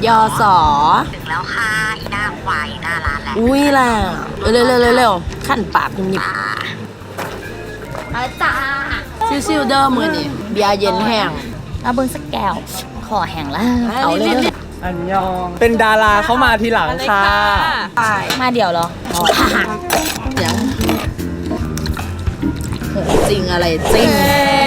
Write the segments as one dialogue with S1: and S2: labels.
S1: ยอสอ
S2: ถึงแล้วค่ะอีหน้าควายหน้าร้านแหละ
S1: อุ้ยแหละเร็วขั้นปากคุณหยิบ
S2: จ้า
S1: ซิวเดอร์มือนี่เบียร์เย็นแห้ง
S2: เอาเบิ้งสักแก้วขอแห้งแล้วเอาเลย
S3: อันยองเป็นดาราเข้ามาทีหลังค่ะ
S2: มาเดี๋ยวเหรอ
S1: เดี๋ยวจริงอะไรจริง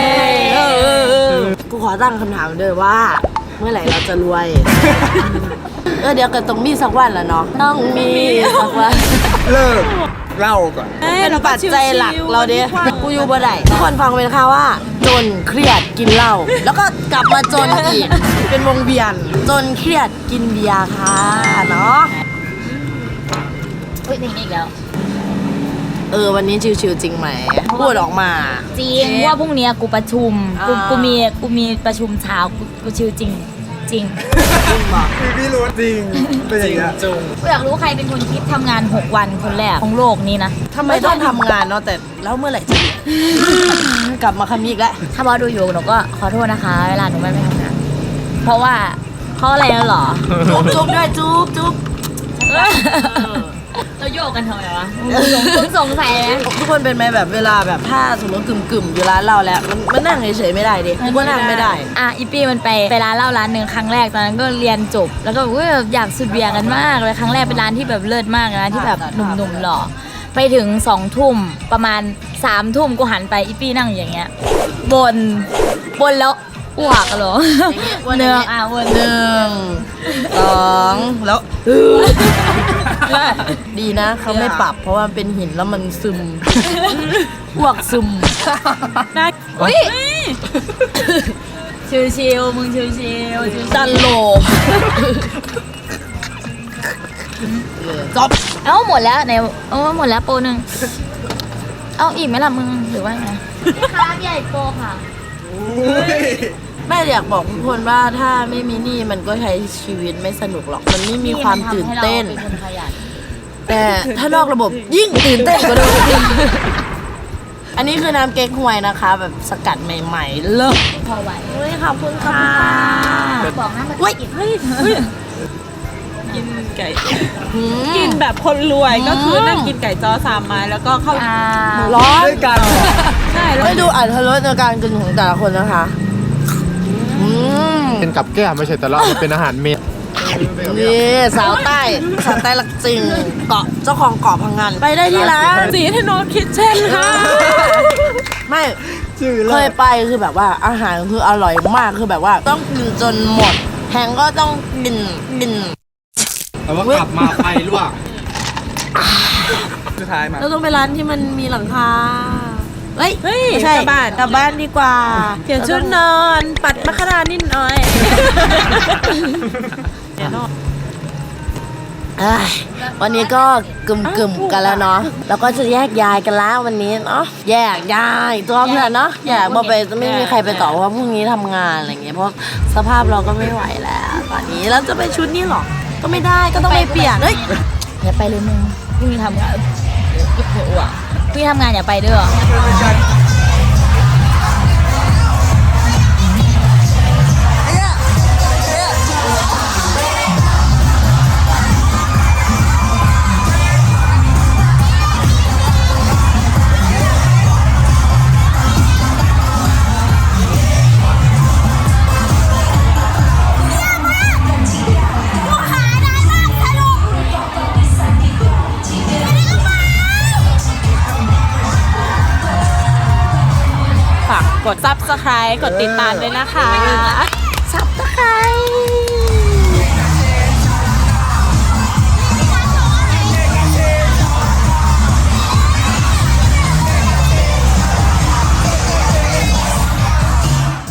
S1: กูขอตั้งคำถามด้วยว่าเมื่อไหร่เราจะรวยเดี๋ยวก็ต้องมีสักวันแล้วเนาะต้องมีสักวัน
S3: เลิกเล่าก่อน
S1: เป็นปัจจัยหลักเราเด้กูอยู่บ่ได้ทุกคนฟังเป็นค่ะว่าจนเครียดกินเหล้าแล้วก็กลับมาจนอีกเป็นวงเวียนจนเครียดกินเบียร์ค่ะเนาะ
S2: เพลงนี้อีกแล้ว
S1: วันนี้ชิวๆจริงไหมพูดออกมา
S2: จริงว่าพรุ่งนี้กูประชุมกูมีประชุมเช้ากูชิวจริงจริง
S3: พี่รู้จริงเป็นอย่างเงี้ย
S2: กูอยากรู้ใครเป็นคนคิดทำงาน6 วันคนแรกของโลกนี้นะ
S1: ทำไมต้องทำงานเนาะแต่แล้วเมื่อไหร่จะกลับมาคำนี้อีกแล้ว
S2: ถ้าบอสดูอยู่หนูก็ขอโทษนะคะเวลาหนูไม่ทำงานเพราะอะไรแล้วหรอ
S1: จุ๊บด้วยจุ๊บ
S2: เราโยกกันทำไมวะสงสัยไหม
S1: ทุกคนเป็นไหมแบบเวลาแบบถ้าสมมติกึ่มอยู่ร้านเราแล้วมันนั่งเฉยๆไม่ได้ดิก็นั่งไม่ได้
S2: อีปี้มันไปร้านเหล้าร้านหนึ่งครั้งแรกตอนนั้นก็เรียนจบแล้วก็อยากสุดเบียร์กันมากเลยครั้งแรกเป็นร้านที่แบบเลิศมากนะที่แบบหนุ่มๆหล่อไปถึง2 ทุ่มประมาณ3 ทุ่มกูหันไปอีปี้นั่งอย่างเงี้ยบนแล้วอ้วกเหรอ
S1: 1 2แล้วดีนะเขาไม่ปรับเพราะว่าเป็นหินแล้วมันซึมอ้วกซึม
S2: อุ้ยชิวๆมึงชิวๆ
S1: ดันโลจบ
S2: หมดแล้วไหนหมดแล้วโปรนึงอีกไหมล่ะมึงหรือว่าไงค่ะใหญ่โปรค่ะ
S1: แม่อยากบอกทุกคนว่าถ้าไม่มีหนี้มันก็ใช้ชีวิตไม่สนุกหรอกมันไม่มีความตื่นเต้นแต่ถ้านอกระบบยิ่งตื่นเต้นกว่าเดิมอันนี้คือน้ำเก๊กฮวยนะคะแบบสกัดใหม่ๆเลิศ
S2: พอไหว
S1: ขอบคุณค่ะ
S2: บอกนะ
S1: เฮ้ย
S4: กินไก่กินแบบคนรวยก็คือนั่งกินไก่จ้อ3 ไม้แล้วก็เข้า
S1: ร้อน
S3: ด้วยกัน
S4: ใช่
S1: ไม่ดูอัตรสในการกินของแต่ละคนนะคะ
S5: เป็นกับแก้มไม่ใช่แต่เราเป็นอาหารเม็ด
S1: นี่สาวใต้หลักจริงเกาะเจ้าของเกาะพังงานไปได้ที่ร้าน
S4: สีถนนคิดเช่นค่ะ
S1: ไม่เคยไปคือแบบว่าอาหารคืออร่อยมากคือแบบว่าต้องกินจนหมดแฮงก็ต้องกิน
S5: แต่ว่ากลับมาไฟลวก
S3: สุดท้ายมา
S1: เราต้องไปร้านที่มันมีหลังคาเฮ้ยไม่ใช่กลับบ้านดีกว่า
S4: เปลี่ยนชุดนอนปัดมะขามนิดหน่อย
S1: วันนี้ก็กึ่มกันแล้วเนาะแล้วก็จะแยกย้ายกันแล้ววันนี้เนาะแยกย้ายตัวเพื่อนเนาะแยกมาไปไม่มีใครไปต่อเพราะพรุ่งนี้ทำงานอะไรเงี้ยเพราะสภาพเราก็ไม่ไหวแล้วตอนนี้แล้วจะไปชุดนี้หรอก็ไม่ได้ก็ต้องไปเปลี่ยน
S2: อย่าไปเลยมึงพรุ่งนี้ทำงานพี่ทำงานอย่าไปด้วย
S4: กด Subscribe กดติดตามด้วยนะคะ